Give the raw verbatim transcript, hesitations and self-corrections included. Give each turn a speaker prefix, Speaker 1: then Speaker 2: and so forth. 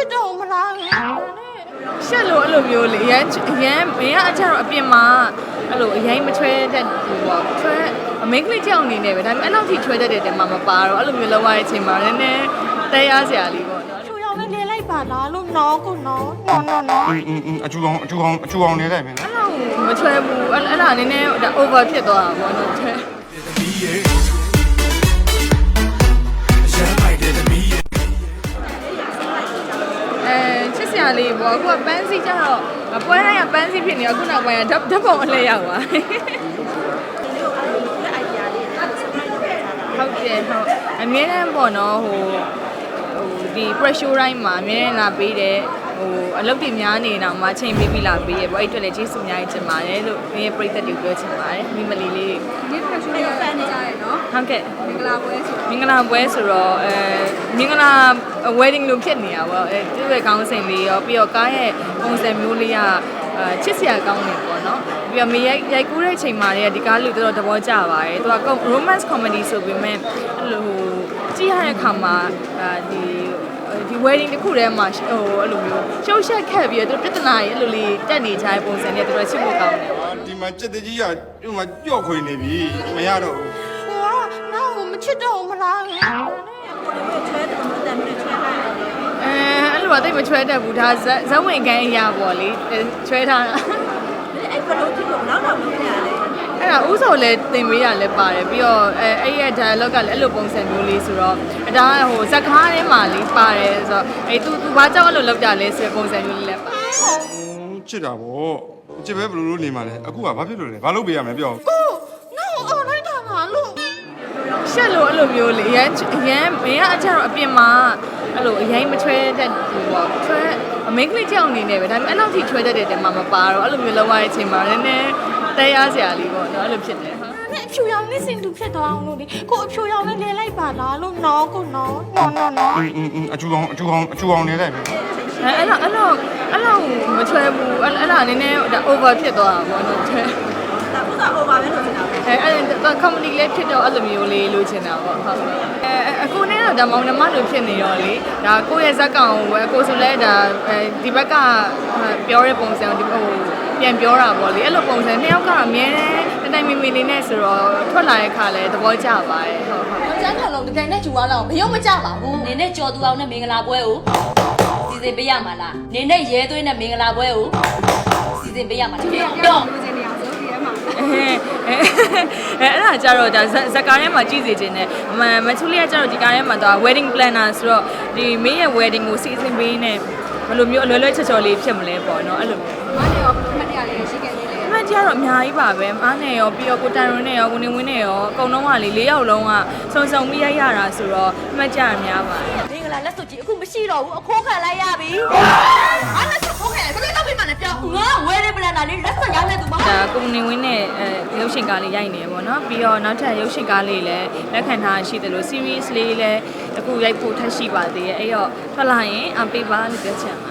Speaker 1: တော့မလား
Speaker 2: ရှက်လို့အဲ့လိုမျိုးလေအရန်အရန်မင်းကအချက်တော့အပြင်မှာအဲ့လိုအရင်မချွဲတတ်ဘူးပေါ့ချွဲအမင်းကလေးကြောက်နေနေပဲဒါပေမဲ့အဲ့လောက်ထိချွဲတတ်တဲ့တဲမှာမပါတော့အဲ့လိုမျိုးလောက်ရတဲ့အချိန်မှာနည်းနည်းတရားစရာလေးပေါ့နော်
Speaker 1: ချူရောင်နဲ့နေလိုက်ပါလားလို့နော်ကိုနော်နော်နော်နော်
Speaker 3: အင်းအင်းအင်းအချူကောင်အချူကောင်အချူကောင်နေလိုက်မယ်နော်
Speaker 2: အဲ့လောက်မချွဲဘူးအဲ့အဲ့ဒါနည်းနည်းဒါ over ဖြစ်သွားတာပေါ့နော်ချွဲချစ်စရာလေးပေါ့အခုကပန်းစီကျတော့ပွဲတိုင်းကပန်းစီဖြစ်နေအခုနောက်ပိုင်းကဓာတ်ဓာတ်ပုံအလဲရောက်သွားဟုတ်တယ်ဟုတ်အမြဲတမ်းပေါ့နော်ဟိုဟိုဒီ pressure တိုင်းမှာအမြဲတမ်းလာပေးတယ်ဟိုအလုပ်တွေများနေတော့မှချိန်ပေးပြီးလာပေးရပေါ့အဲ့အတွက်လည်းကျေးဇူးအများကြီးတင်ပါတယ်လို့ဒီပရိသတ်တွေပြောချင်ပါတယ်မိမလီလေး
Speaker 1: ဒီ pressure ကိုဖန်နေကြရနော်
Speaker 2: ဟုတ်ကဲ့
Speaker 1: မင်္ဂလာပွဲဆို
Speaker 2: မင်္ဂလာပွဲဆိုတော့အဲမင်္ဂလာ wedding လို့ဖြစ်နေတာပေါ့အဲသူ့ရဲ့ကောင်းစဉ်လေးရောပြီးတော့ကားရဲ့ပုံစံမျိုးလေးကအဲချစ်စရာကောင်းနေပေါ့နော်ပြီးတော့မေရိုက်ရိုက်ကူးတဲ့အချိန်မှာလည်းဒီကားလူတော်တော်သဘောကျပါတယ်သူက romance comedy ဆိုပေမဲ့အဲ့လိုဟိုကြည့်ရတဲ့အခါမှာအဲဒီဒီ wedding တစ်ခုတည်းမှာဟိုအဲ့လိုမျိုးရှုပ်ရှက်ခက်ပြီးတော့သူပြဿနာကြီးအဲ့လိုလေးတက်နေကြတဲ့ပုံစံနဲ့တော်တော်ချစ်ဖို့ကောင်းတယ်
Speaker 3: ဒီမှာကြက်တကြီးကဒီမှာကြော့ခွေနေပြီမရတော့ဘူး
Speaker 1: ဟိုကနောက်မချစ်တော့မလားချွဲတယ်မတန်နဲ့ချွဲလိုက်
Speaker 2: အဲအဲ့လိုကတိတ်မချွဲတတ်ဘူးဒါဇက်ဝင်ကန်းအရာပေါ့လေချွဲထားတာ
Speaker 1: အဲ့ဘလို့ဖြစ်လို့နောက်တော့မဖြစ်ရလဲ
Speaker 2: အဲ့ဒါဥစောလည်းတင်ပေးရလဲပါတယ်ပြီးတော့အဲအဲ့ရဲ့ dialogue ကလည်းအဲ့လိုပုံစံမျိုးလေးဆိုတော့ဒါကဟိုဇက်ကားထဲမှာလေးပါတယ်ဆိုတော့အဲ့ तू तू ဘာကြောက်အဲ့လိုလောက်ကြလဲဆိုတဲ့ပုံစံမျိုးလေးလည်းပါ
Speaker 3: ချစ်တာဗောချစ်ပဲဘလို့လို့နေမှာလဲအခုကဘာဖြစ်လို့လဲဘာလုပ်ပေးရမလဲပြော
Speaker 1: ကိုနောက်အော်လိုက်တာလားလို့
Speaker 2: ရှက်လို့အဲ့လိုမျိုးလေအရန်အရန်မင်းကအချက်တော့အပြင်မှာအဲ့လိုအရင်မချွဲတတ်ဘူးပေါ့ချွဲအမင်းကလေးကြောက်နေနေပဲဒါပေမဲ့အဲ့လောက်ထိချွဲတတ်တဲ့တဲမှာမပါတော့အဲ့လိုမျိုးလောက်ရတဲ့အချိန်မှာနည်းနည်းတရားစရာလေးပေါ့နော်အဲ့လိုဖြစ်တယ်ဟာ
Speaker 1: နဲ့အဖြူရောင်နဲ့စင်တူဖြစ်သွားအောင်လို့လေကိုအဖြူရောင်နဲ့နေလိုက်ပါလားလို့နော်ကိုနော်နော်နော်နော်
Speaker 3: အင်းအင်းအင်းအချူကောင်အချူကောင်အချူကောင်နေလိုက်မယ်
Speaker 2: အဲအဲ့လောက်အဲ့လောက်အဲ့လောက်မချွဲဘူးအဲ့အဲ့ဒါနည်းနည်းဒါ over ဖြစ်သွားတာပေါ့နော်ချွဲ
Speaker 1: ဒါဥစား over ပဲလို့ထင်တာပဲ
Speaker 2: အဲအဲ့ဒါ comedy လေးဖြစ်တော့အဲ့လိုမျိုးလေးလို့ထင်တာပေါ့ဟုတ်အဲအခုနဲ့တော့ဒါမောင်နှမလိုဖြစ်နေရောလေဒါကိုယ့်ရဲ့ဇက်ကောင်ကိုပဲကိုဆိုလဲဒါဒီဘက်ကပြောတဲ့ပုံစံဒီဟိုပြန်ပြောတာပေါ့လေအဲ့လိုပုံစံနှစ်ယောက်ကတော့အမြဲတမ်းတိုင်မီမီလေးနဲ့ဆိုတော့ထွက်လာတဲ့ခါလဲသဘောကျပါတယ်ဟုတ်ဟုတ်
Speaker 1: ကျန်းခံလုံးတကယ်နဲ့ဂျူသွားတော့မရုံမကြပါဘူး
Speaker 4: နေနဲ့ကြော်သူအောင်နဲ့မင်္ဂလာပွဲကိုစီစဉ်ပေးရမှာလားနေနဲ့ရဲသွေးနဲ့မင်္ဂလာပွဲကိုစီစဉ်ပေးရမှာလားတော့
Speaker 1: လူချင်းနေအောင်ဆိုဒီထဲမှာ
Speaker 2: အဲအဲအဲ့ဒါကြတော့ဒါဇက်ကားထဲမှာကြည့်စီခြင်းနဲ့မမချူလေးကကြတော့ဒီကားထဲမှာတော့ wedding planner ဆိုတော့ဒီမင်းရဲ့ wedding ကိုစီစဉ်ပေးနေဘယ်လိုမျိုးအလွယ်လွယ်ချော်ချော်လေးဖြစ်မလဲပေါ့နော်အဲ့လို
Speaker 1: မနဲ့ရောမှတ်ရလေးရှိခဲ့သေးတယ်
Speaker 2: အမှတ်တရတော့အများကြီးပါပဲမားနဲ့ရောပြီးတော့ကိုတိုင်ရွန်းနဲ့ရောကိုနေဝင်းနဲ့ရောအကုန်လုံးကလေ၄ယောက်လုံးကစုံစုံပြီးရိုက်ရတာဆိုတော့အမှတ်ကြရများပါတယ်
Speaker 4: မင်္ဂလာလက်စွပ်ကြီးအခုမရှိတော့ဘူးအခိုးခံလိုက်ရပြီ
Speaker 1: အားလက်စွပ်ခိုးခံဘယ်လိုလုပ်ပြီးမှလဲပြော
Speaker 4: ငါဝဲတဲ့ပလန်တာလေးလက်စွပ်ရောက်နေသူမဟုတ်
Speaker 2: ဒါကိုနေဝင်းနဲ့အဲရုပ်ရှင်ကားလေးရိုက်နေပေါ့နော်ပြီးတော့နောက်ထပ်ရုပ်ရှင်ကားလေးလည်းလက်ခံထားရှိတယ်လို့ series လေးလည်းအခုရိုက်ဖို့ထပ်ရှိပါသေးရဲ့အဲ့တော့ထွက်လာရင်အပေးပါလို့ပြောချင်ပါ